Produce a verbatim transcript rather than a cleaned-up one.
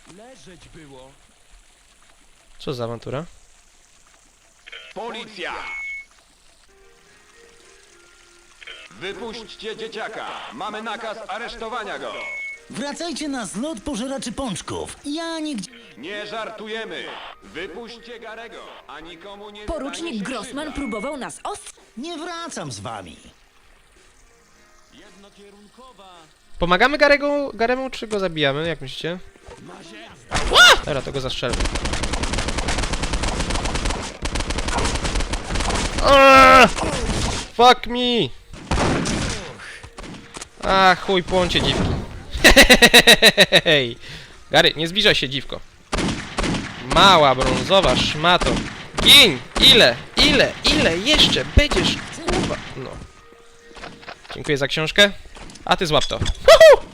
Leżeć było. Co za awantura? Policja! Wypuśćcie dzieciaka! Mamy nakaz aresztowania go! Wracajcie na zlot pożeraczy pączków. Ja nigdzie... Nie żartujemy! Wypuśćcie Garego, a nikomu nie stanie Porucznik się Grossman krzywda. próbował nas ost... Nie wracam z wami. Jednokierunkowa. Pomagamy Garego, Garemu, czy go zabijamy? Jak myślicie? Dobra, to go zastrzelę. Aaaa! Fuck me! A chuj, płoncie dziwki. Hej! Gary, nie zbliżaj się, dziwko. Mała brązowa szmato. Gin! Ile? Ile? Ile jeszcze będziesz? Kurwa. No. Dziękuję za książkę. A ty złap to. Huhu!